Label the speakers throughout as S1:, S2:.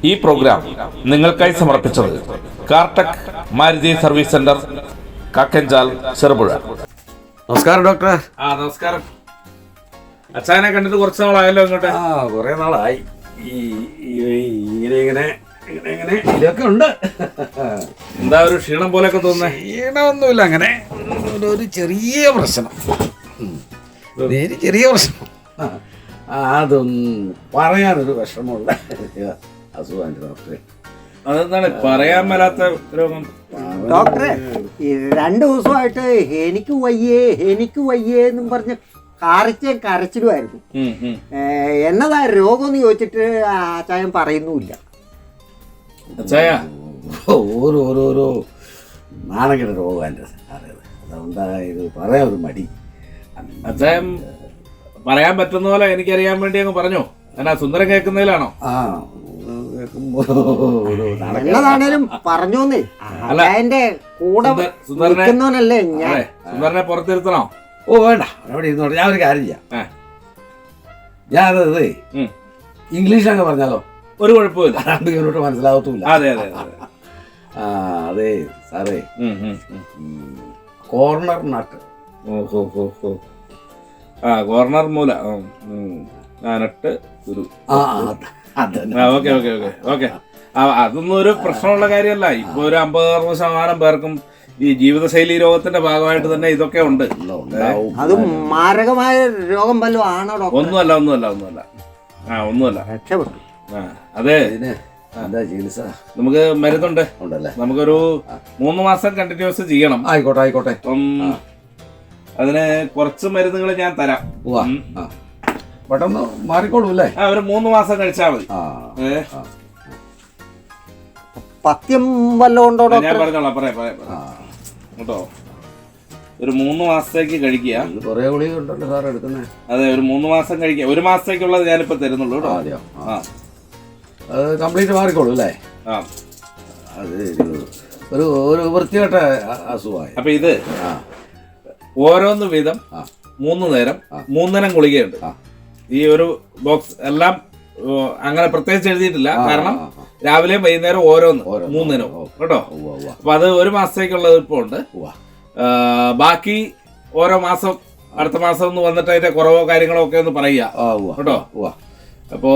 S1: ഈ പ്രോഗ്രാം നിങ്ങൾക്കായി സമർപ്പിച്ചത് Cartech Maruti service centre, Kakkanchal, Cherupuzha.
S2: നമസ്കാരം ഡോക്ടറെ.
S1: നമസ്കാരം. അച്ഛനെ കണ്ടിട്ട് കുറച്ച് നാളായല്ലോ ഇങ്ങോട്ട്?
S2: കുറെ നാളായി. ഇങ്ങനെ ഇതൊക്കെ ഉണ്ട്.
S1: എന്താ ഒരു ക്ഷീണം പോലെയൊക്കെ തോന്നുന്നേ?
S2: ക്ഷീണമൊന്നുമില്ല, അങ്ങനെ ഒരു ചെറിയ പ്രശ്നം. ചെറിയ പ്രശ്നം, അതൊന്നും പറയാനൊരു വിഷമമുള്ള അസുഖമാണ് ഡോക്ടറെ.
S1: അതെന്താണ് പറയാൻ മേലാത്ത രോഗം?
S3: ഡോക്ടറെ, 2 ദിവസമായിട്ട് എനിക്ക് വയ്യേ എന്നും പറഞ്ഞ് കരച്ചിലുമായിരുന്നു. എന്നതാ രോഗം എന്ന് ചോദിച്ചിട്ട് അച്ചായൻ പറയുന്നുമില്ല. ഓരോരോ നാണകയുടെ രോഗം എൻ്റെ സാറേ. അതുകൊണ്ടാ ഇത് പറയാൻ ഒരു മടി.
S1: അച്ചായൻ പറയാൻ പറ്റുന്ന പോലെ എനിക്കറിയാൻ വേണ്ടി അങ്ങ് പറഞ്ഞോ. എന്നാ സുന്ദരം കേൾക്കുന്നതിലാണോ?
S3: എന്നതാണേലും പറഞ്ഞോന്നേ. അച്ചായന്റെ കൂടെ നിൽക്കുന്നവനല്ലേ ഞാൻ.
S1: സുന്ദരനെ പുറത്തിരുത്തണോ?
S2: ഓ വേണ്ട, അവിടെ ഇരുന്നോട്ടെ. ഞാൻ ഒരു കാര്യം ചെയ്യാം. ഞാനത് ഇംഗ്ലീഷൊക്കെ പറഞ്ഞാലോ?
S1: ഒരു കുഴപ്പമില്ല,
S2: 2 കിലോമീറ്റർ മനസ്സിലാവത്തുമില്ല.
S1: അതെ അതെ
S2: അതെ സാറേ, കോർണർ നട്ട്.
S1: കോർണർ മൂല നട്ട് ഗുരു. Okay okay okay okay. അതൊന്നും ഒരു പ്രശ്നമുള്ള കാര്യമല്ല. ഇപ്പൊ ഒരു 50-60% പേർക്കും ഈ ജീവിതശൈലി രോഗത്തിന്റെ ഭാഗമായിട്ട് തന്നെ ഇതൊക്കെ ഉണ്ട്.
S3: അത് മാരകമായ രോഗം വല്ലതും ആണോ ഡോക്ടർ?
S1: ഒന്നുമല്ല.
S3: രക്ഷപ്പെട്ടു.
S1: അതെ,
S2: എന്താ ചികിത്സ?
S1: നമുക്ക് മരുന്നുണ്ട്.
S2: ഉണ്ടല്ലേ?
S1: നമുക്കൊരു 3 മാസം കണ്ടിന്യൂസ് ചെയ്യണം.
S2: ആയിക്കോട്ടെ.
S1: അപ്പം അതിന് കുറച്ച് മരുന്നുകൾ ഞാൻ തരാം.
S2: പെട്ടെന്ന് മാറിക്കോളൂ അല്ലേ?
S1: ഒരു 3 മാസം കഴിച്ചാൽ മതി.
S3: പഥ്യം വല്ലതും ഉണ്ടോ ഡോക്ടർ?
S1: ഞാൻ പറഞ്ഞോളാം, പറയാം കേട്ടോ. ഒരു 3 മാസത്തേക്ക് കഴിക്കുക.
S2: കുറേ ഗുളിക ഉണ്ടല്ലോ സാർ എടുക്കുന്നത്.
S1: അതെ, ഒരു 3 മാസം കഴിക്കുക. 1 മാസത്തേക്കുള്ളത് ഞാനിപ്പോ തരുന്നുള്ളൂ കേട്ടോ.
S2: അത് കംപ്ലീറ്റ് മാറിക്കോളൂ അല്ലേ? അത് ഒരു വൃത്തികെട്ട അസുഖമായി.
S1: അപ്പൊ ഇത് ഓരോന്ന് വീതം 3 നേരം 3 തരം ഗുളികയുണ്ട്. ഈ ഒരു ബോക്സ് എല്ലാം അങ്ങനെ പ്രത്യേകിച്ച് എഴുതിയിട്ടില്ല. കാരണം രാവിലെയും വൈകുന്നേരം ഓരോന്ന് 3 നേരം കേട്ടോ. അപ്പൊ അത് 1 മാസത്തേക്കുള്ളത് ഇപ്പൊ ഉണ്ട്. ബാക്കി ഓരോ മാസം അടുത്ത മാസം ഒന്ന് വന്നിട്ട് അതിന്റെ കുറവോ കാര്യങ്ങളോ ഒക്കെ ഒന്ന് പറയുക കേട്ടോ. അപ്പോ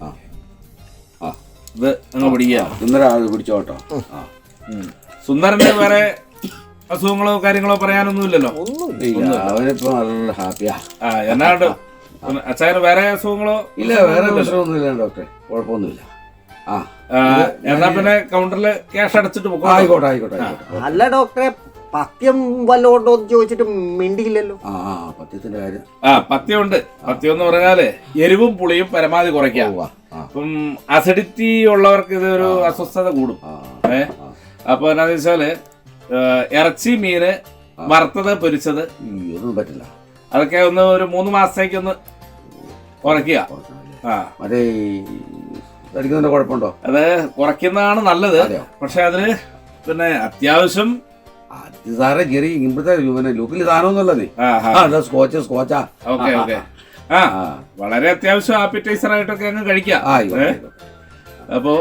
S1: ഇത് അങ്ങ്
S2: പിടിച്ചോ കേട്ടോ.
S1: സുന്ദരന്റെ വേറെ അസുഖങ്ങളോ കാര്യങ്ങളോ പറയാനൊന്നുമില്ലല്ലോ?
S2: അവനിപ്പോ നല്ല ഹാപ്പിയാ.
S1: എന്നാണ്ട് അച്ഛന് വേറെ അസുഖങ്ങളോ?
S2: ഇല്ല, വേറെ പ്രശ്നമൊന്നുമില്ല ഡോക്ടറെ, കുഴപ്പമൊന്നുമില്ല.
S1: എന്നാ പിന്നെ കൗണ്ടറിൽ ക്യാഷ് അടച്ചിട്ട് പോകും.
S2: ആയിക്കോട്ടെ.
S3: അല്ല ഡോക്ടറെ, പഥ്യം വല്ലതും ഉണ്ടോ എന്ന് ചോദിച്ചിട്ട് മിണ്ടിയില്ലല്ലോ.
S2: പഥ്യത്തിന്റെ കാര്യം.
S1: പഥ്യമുണ്ട്. പഥ്യം എന്ന് പറഞ്ഞാല് എരിവും പുളിയും പരമാവധി കുറയ്ക്കാം. അപ്പം അസിഡിറ്റി ഉള്ളവർക്ക് ഇതൊരു അസ്വസ്ഥത കൂടും. അപ്പൊ എന്നാന്ന് വെച്ചാല് ഇറച്ചി, മീന്, വറുത്തത്, പൊരിച്ചത്
S2: ഒന്നും പറ്റില്ല.
S1: അതൊക്കെ ഒന്ന് ഒരു 3 മാസത്തേക്ക് ഒന്ന് കുറയ്ക്കുക.
S2: കുഴപ്പമുണ്ടോ?
S1: അത് കുറയ്ക്കുന്നതാണ് നല്ലത്. പക്ഷെ അതിന് പിന്നെ അത്യാവശ്യം
S2: സാറേ ചെറിയ ഇപ്പോഴത്തെ ലുക്കിൽ സാധനമൊന്നുമല്ലേ? സ്കോച്ചാ.
S1: ഓക്കെ. വളരെ അത്യാവശ്യം ആപ്പിറ്റൈസർ ആയിട്ടൊക്കെ അങ്ങ് കഴിക്കാം. അപ്പോ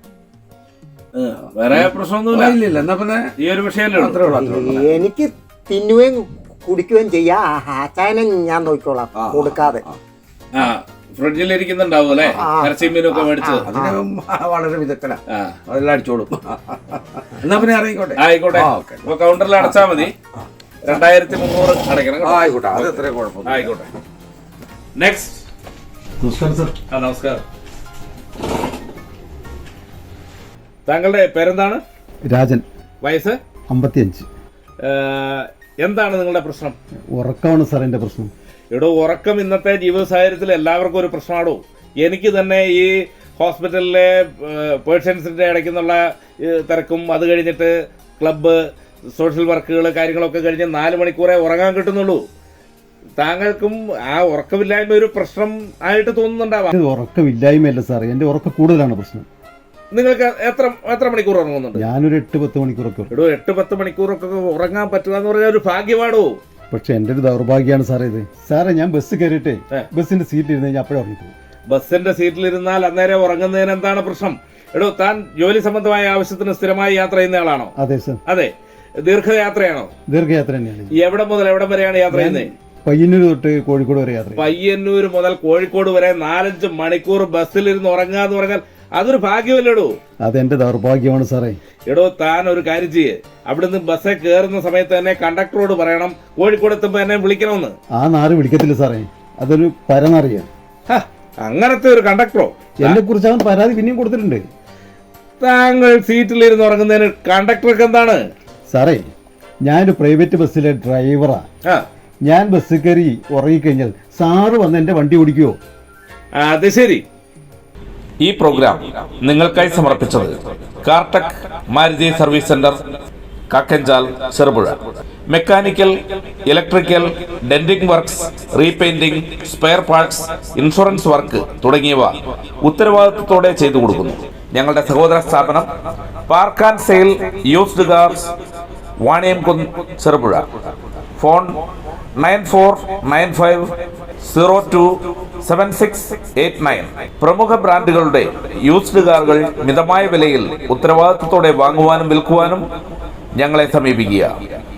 S1: വേറെ പ്രശ്നമൊന്നുമില്ല.
S2: എന്നാ പിന്നെ ഈ ഒരു വിഷയം
S3: എനിക്ക് തിന്നുകയും കുടിക്കുകയും ചെയ്യാം. ആച്ചായനെ ഞാൻ നോക്കിക്കോളാം കൊടുക്കാതെ.
S1: ഫ്രിഡ്ജിൽ ഇരിക്കുന്നുണ്ടാവും അല്ലെ? ഇറച്ചി മീനൊക്കെ മേടിച്ചത്
S2: വളരെ വിദഗ്ധനാ, അതെല്ലാം അടിച്ചോളും. എന്നാ പിന്നെ
S1: ആയിക്കോട്ടെ. അപ്പൊ കൗണ്ടറിൽ അടച്ചാ മതി. 2300 അടയ്ക്കണം.
S2: ആയിക്കോട്ടെ, അത് എത്ര കുഴപ്പം.
S1: ആയിക്കോട്ടെ. നെക്സ്റ്റ്.
S2: നമസ്കാരം സർ.
S1: നമസ്കാരം. താങ്കളുടെ പേരെന്താണ്?
S4: രാജൻ.
S1: വയസ്സ്?
S4: 55.
S1: എന്താണ് നിങ്ങളുടെ പ്രശ്നം?
S4: ഉറക്കമാണ് സാർ എൻ്റെ പ്രശ്നം.
S1: ഇവിടെ ഉറക്കം ഇന്നത്തെ ജീവിത സാഹചര്യത്തിൽ എല്ലാവർക്കും ഒരു പ്രശ്നമാണോ? എനിക്ക് തന്നെ ഈ ഹോസ്പിറ്റലിലെ പേഷ്യൻസിൻ്റെ ഇടയ്ക്കുന്നുള്ള തിരക്കും, അത് കഴിഞ്ഞിട്ട് ക്ലബ്ബ്, സോഷ്യൽ വർക്കുകൾ, കാര്യങ്ങളൊക്കെ കഴിഞ്ഞ് 4 മണിക്കൂറേ ഉറങ്ങാൻ കിട്ടുന്നുള്ളൂ. താങ്കൾക്കും ആ ഉറക്കമില്ലായ്മ ഒരു പ്രശ്നം ആയിട്ട് തോന്നുന്നുണ്ടാവാം.
S4: ഉറക്കമില്ലായ്മയല്ല സാർ, എൻ്റെ ഉറക്കം കൂടുതലാണ് പ്രശ്നം.
S1: നിങ്ങൾക്ക് എത്ര മണിക്കൂർ ഉറങ്ങുന്നുണ്ട്?
S4: ഞാനൊരു 8-10 മണിക്കൂറൊക്കെ.
S1: 8-10 മണിക്കൂറൊക്കെ ഉറങ്ങാൻ പറ്റുക എന്ന് പറഞ്ഞാൽ ഒരു ഭാഗ്യമാണോ?
S4: പക്ഷെ എൻ്റെ ഒരു ദൗർഭാഗ്യമാണ് സാറേ ഇത്. സാറേ, ഞാൻ ബസ് കയറിയിട്ടേ ബസ്സിന്റെ സീറ്റിൽ ഇരുന്ന് കഴിഞ്ഞാൽ അപ്പോഴേ ഉറങ്ങിപ്പോകും.
S1: ബസ്സിന്റെ സീറ്റിലിരുന്നാൽ അന്നേരം ഉറങ്ങുന്നതിന് എന്താണ് പ്രശ്നം? എടോ, താൻ ജോലി സംബന്ധമായ ആവശ്യത്തിന് സ്ഥിരമായി യാത്ര ചെയ്യുന്ന ആളാണോ?
S4: അതെ സർ.
S1: അതെ. ദീർഘയാത്രയാണോ?
S4: ദീർഘയാത്ര തന്നെയാണ്.
S1: എവിടെ മുതൽ എവിടം വരെയാണ് യാത്ര ചെയ്യുന്നത്?
S4: പയ്യന്നൂർ തൊട്ട് കോഴിക്കോട് വരെ യാത്ര.
S1: പയ്യന്നൂർ മുതൽ കോഴിക്കോട് വരെ 4-5 മണിക്കൂർ ബസ്സിലിരുന്ന് ഉറങ്ങാന്ന് പറഞ്ഞാൽ അതൊരു ഭാഗ്യമല്ലേടോ?
S4: അതെന്റെ ദൗർഭാഗ്യമാണ് സാറേ.
S1: എടോ, താൻ ഒരു കാര്യം ചെയ്യേ, അവിടുന്ന് ബസ്സിൽ കയറുന്ന സമയത്ത് തന്നെ കണ്ടക്ടറോട് പറയണം കോഴിക്കോട് എത്തുമ്പോ എന്നെ വിളിക്കണമെന്ന്.
S4: ആ നാറ് വിളിക്കത്തില്ല സാറേ, അതൊരു പരന്നറിയാം.
S1: അങ്ങനത്തെ ഒരു കണ്ടക്ടറോ?
S4: എന്നെ കുറിച്ച് അവൻ പരാതി പിന്നെയും കൊടുത്തിട്ടുണ്ട്.
S1: താങ്കൾ സീറ്റിലിരുന്ന് ഉറങ്ങുന്നതിന് കണ്ടക്ടർക്ക് എന്താണ്?
S4: സാറേ, ഞാനൊരു പ്രൈവറ്റ് ബസ്സിലെ ഡ്രൈവറാ. ഞാൻ ബസ് കയറി ഉറങ്ങിക്കഴിഞ്ഞാൽ സാറ് വന്ന് എന്റെ വണ്ടി ഓടിക്കുവോ?
S1: അത് ശരി. ഈ പ്രോഗ്രാം നിങ്ങൾക്കായി സമർപ്പിച്ചത് Cartech Maruti service centre, Kakkanchal, Cherupuzha. Mechanical, electrical, denting works, repainting, spare parts, insurance work തുടങ്ങിയവ ഉത്തരവാദിത്വത്തോടെ ചെയ്തു കൊടുക്കുന്നു. ഞങ്ങളുടെ സഹോദര സ്ഥാപനം park and sale used cars, Vaniyamkunnu, Cherupuzha. Phone 9495027689. പ്രമുഖ ബ്രാൻഡുകളുടെ യൂസ്ഡ് കാറുകൾ മിതമായ വിലയിൽ ഉത്തരവാദിത്വത്തോടെ വാങ്ങുവാനും വിൽക്കുവാനും ഞങ്ങളെ സമീപിക്കുക.